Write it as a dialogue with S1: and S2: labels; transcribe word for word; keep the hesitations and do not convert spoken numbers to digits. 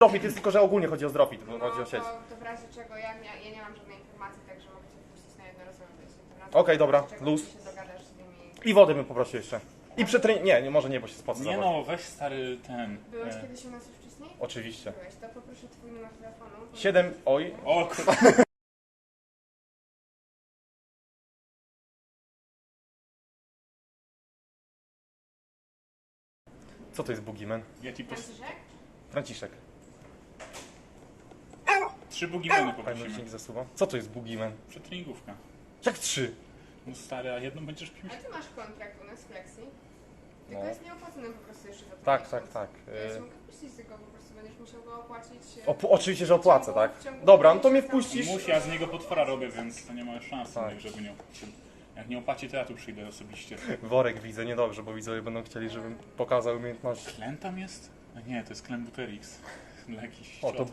S1: Zdrowit jest tylko, że ogólnie chodzi o zdrowit, bo
S2: No
S1: chodzi o sieć.
S2: to, to w razie czego ja, ja, ja nie mam żadnej informacji, także mogę cię wpuścić na jednorazowe wejście.
S1: Okej, dobra,
S2: Czego
S1: luz.
S2: ty się dogadasz z nimi.
S1: I wody bym poprosił jeszcze. I przetren... Nie, nie, może nie, bo się spocę.
S3: Nie
S1: za
S3: no, weź stary ten...
S2: Byłeś
S3: E...
S2: kiedyś u nas już wcześniej?
S1: Oczywiście.
S2: Byłeś, to poproszę twój numer telefonu.
S1: Siedem, oj.
S3: O kurwa.
S1: Co to jest Boogeyman?
S3: Ja ci pos...
S2: Franciszek?
S1: Franciszek.
S3: Trzy bugimeny
S1: Fajny
S3: poprosimy.
S1: dzięki za słowo. Co to jest Boogeyman?
S3: Przetreningówka.
S1: Jak trzy?
S3: No stary, a jedną będziesz pił?
S2: Ale ty masz kontrakt u nas w Flexi. Tylko
S1: No.
S2: jest nieopłacony po prostu jeszcze za to
S1: Tak,
S2: miesiąc.
S1: tak, tak.
S2: Ja
S1: Y-
S2: się mogę wpuścić tylko, po prostu będziesz musiał go opłacić. e,
S1: Op oczywiście, że opłacę,
S2: w ciągu-
S1: tak?
S2: w ciągu
S1: Dobra, no to mnie
S2: miesiąca.
S1: wpuścisz.
S3: Musi, ja z niego potwora robię, więc to nie ma szans,
S1: Tak.
S3: żeby nie opłacił. Jak nie opłaci, to ja tu przyjdę osobiście.
S1: Worek widzę, niedobrze, bo widzowie będą chcieli, żebym pokazał umiejętności.
S3: Klen tam jest? A nie, to jest Klen Buterix. Dla jakichś
S1: O, to
S3: ciot.